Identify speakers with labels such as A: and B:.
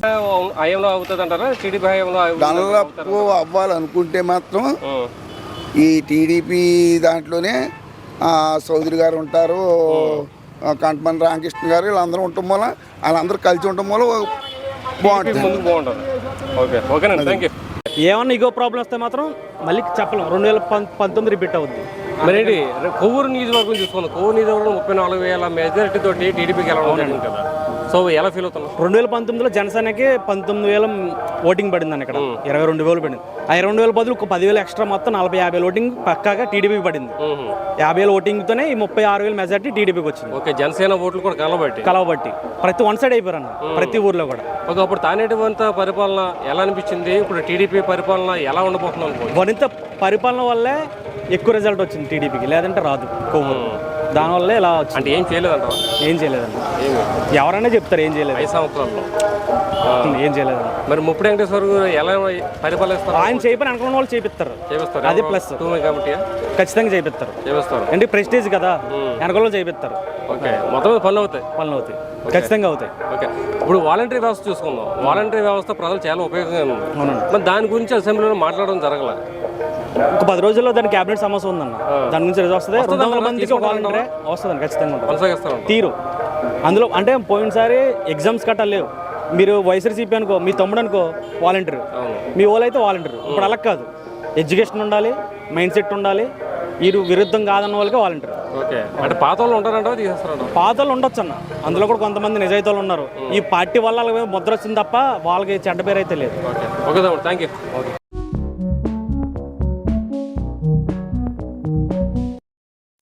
A: హయాంలో అవుతుంది అంటారా? టీడీపీ హయాంలో
B: డెవలప్ అవ్వాలనుకుంటే మాత్రం ఈ టీడీపీ దాంట్లోనే చౌదరి గారు ఉంటారు, కంటమని రామకృష్ణ గారు, వీళ్ళందరూ ఉండటం వల్ల వాళ్ళందరూ కలిసి ఉండటం వల్ల బాగుంటుంది,
A: ముందుకు బాగుంటుంది. ఓకే, ఓకేనండి, థ్యాంక్ యూ.
C: ఏమన్నా ఇగో ప్రాబ్లం వస్తే మాత్రం మళ్ళీ చెప్పలేం, 2019 రిపీట్ అవుద్ది.
A: మరేంటి కొవ్వూరు నియోజకవర్గం చూసుకుందాం. కొవ్వూరు నియోజకవర్గం 34,000 మెజారిటీ తోటి టీడీపీకి గెలవడం జరిగింది కదా. సో ఎలా ఫీల్ అవుతున్నాం?
C: 2019లో జనసేనకి 19,000 ఓటింగ్ పడిందని, ఇక్కడ 22,000 పడింది. ఆ 22,000 బదులు 10,000 ఎక్స్ట్రా, మొత్తం 40-50 ఓటింగ్ పక్కాగా టీడీపీకి పడింది. 50,000 ఓటింగ్తోనే ఈ 36,000 మెజారిటీ టీడీపీకి వచ్చింది.
A: ఓకే, జనసేన ఓట్లు కూడా కలవబట్టి
C: ప్రతి వన్ సైడ్ అయిపోయారు అన్న, ప్రతి ఊర్లో కూడా.
A: ఓకే, అప్పుడు తానేటి వనిత పరిపాలన ఎలా అనిపించింది? ఇప్పుడు టీడీపీ పరిపాలన ఎలా ఉండబోతుంది అనుకో?
C: వనిత పరిపాలన వల్లే ఎక్కువ రిజల్ట్ వచ్చింది టీడీపీకి, లేదంటే రాదు కొవ్వూరు. దానివల్లే ఇలా వచ్చింది.
A: అంటే ఏం చేయలేదంట?
C: ఏం చేయలేదండి, ఎవరైనా చెప్తారు ఏం చేయలేదు.
A: 5 సంవత్సరాల్లో
C: ఏం చేయలేదండి.
A: మరి ముప్పుడు వెంకటేశ్వర గారు ఎలా పరిపాలిస్తారు?
C: ఆయన చేయపని అనుకున్న వాళ్ళు చేపిస్తారు, అది ప్లస్.
A: కాబట్టి
C: ఖచ్చితంగా చేపిస్తారు, అంటే ప్రెస్టేజ్ కదా, వెనకలో చేపిస్తారు.
A: ఓకే, మొత్తం పనులు అవుతాయి,
C: ఖచ్చితంగా అవుతాయి.
A: ఓకే, ఇప్పుడు వాలంటరీ వ్యవస్థ చూసుకుందాం. వాలంటరీ వ్యవస్థ ప్రజలు చాలా ఉపయోగంగా ఉంది. మరి దాని గురించి అసెంబ్లీలో మాట్లాడడం జరగల.
C: ఒక 10 రోజుల్లో దాని క్యాబినెట్ సమస్య ఉందన్న, దాని నుంచి రిజల్ట్ వస్తుంది. 200 మందికి ఒక వాలంటీరే వస్తుందండి, ఖచ్చితంగా
A: కొనసాగిస్తారు
C: తీరు. అందులో అంటే పోయినసారి ఎగ్జామ్స్ కట్టా లేవు. మీరు వైఎస్ఆర్సీపీ అనుకో, మీ తమ్ముడు అనుకో వాలంటీర్, మీ ఓళ్ళు అయితే వాలంటీర్. ఇప్పుడు అలా కాదు, ఎడ్యుకేషన్ ఉండాలి, మైండ్ సెట్ ఉండాలి. వీరు విరుద్ధం కాదన్న వాళ్ళకి వాలంటీర్.
A: ఓకే, అంటే పాత వాళ్ళు ఉంటారంట, తీసేస్తారంట?
C: పాత వాళ్ళు ఉండొచ్చు అన్న, అందులో కూడా కొంతమంది నిజాయితీలు ఉన్నారు. ఈ పార్టీ వల్ల ముద్ర వచ్చింది తప్ప వాళ్ళకి చెడ్డ పేరు అయితే లేదు.
A: Okay, okay, thank you.